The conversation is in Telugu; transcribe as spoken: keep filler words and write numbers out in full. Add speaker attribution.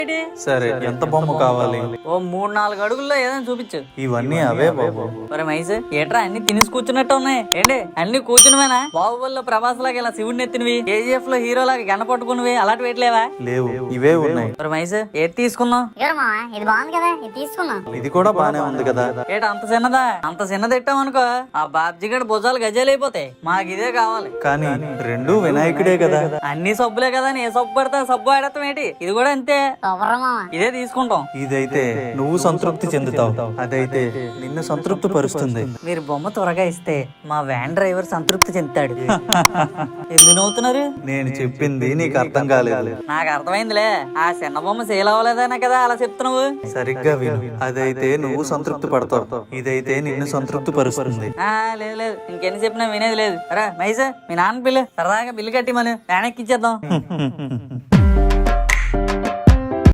Speaker 1: సరే, ఎంత బొమ్మ కావాలి?
Speaker 2: ఓ మూడు నాలుగు అడుగుల్లో ఏదైనా చూపించు.
Speaker 1: ఇవన్నీ అవే బాబు.
Speaker 2: మరి మైస్ ఏట్రా అన్ని తినేసి కూర్చున్నట్టు ఉన్నాయి ఏంటి? అన్ని కూర్చునివేనా? బాహుబలిలో ప్రభాస్ లాగా ఇలా శివుడిని ఎత్తినవి, కేజీఎఫ్ లో హీరో లాగా గంట పట్టుకునివి అలాంటి వేయట్లేవా?
Speaker 1: లేవు, ఇవే ఉన్నాయి.
Speaker 2: మరి మైస్ ఏది తీసుకున్నావు?
Speaker 3: ఇది బాగుంది కదా, ఇది తీసుకున్నా.
Speaker 1: ఇది కూడా బానే ఉంది కదా.
Speaker 2: ఏట అంత చిన్నదా? అంత చిన్నది ఎట్టామనుకో ఆ బాబ్జీ గడ భుజాలు గజాలు అయిపోతాయి. మాకు ఇదే కావాలి.
Speaker 1: కానీ రెండు వినాయకుడే కదా.
Speaker 2: అన్ని సబ్బులే కదా, ఏ సబ్బు పడతా సబ్బు ఆడతాం ఏంటి? ఇది కూడా అంతే. ఇదే తీసుకుంటాం.
Speaker 1: ఇదైతే నువ్వు సంతృప్తి చెందుతావు, అదైతే నిన్ను సంతృప్తి పరుస్తుంది.
Speaker 2: మీరు బొమ్మ త్వరగా ఇస్తే మా వ్యాన్ డ్రైవర్ సంతృప్తి చెందుతాడు. ఎందుకు నవ్వుతున్నారు?
Speaker 1: నేను చెప్పింది నీకు అర్థం కాలేదు.
Speaker 2: నాకు అర్థమైందిలే. ఆ చిన్న బొమ్మ సేల్ అవ్వలేదనే కదా అలా చెప్తున్నావు.
Speaker 1: సరిగ్గా విను. అదైతే నువ్వు సంతృప్తి పడతావు, ఇదైతే నిన్ను సంతృప్తి పరుస్తుంది.
Speaker 2: ఆ లేదు లేదు, ఇంకెన్ని చెప్పినా వినేది లేదు. రా మైసా, మీ నాన్న బిల్లు సరదాగా బిల్లు కట్టి మనం వ్యాన్ ఎక్కిచ్చేద్దాం.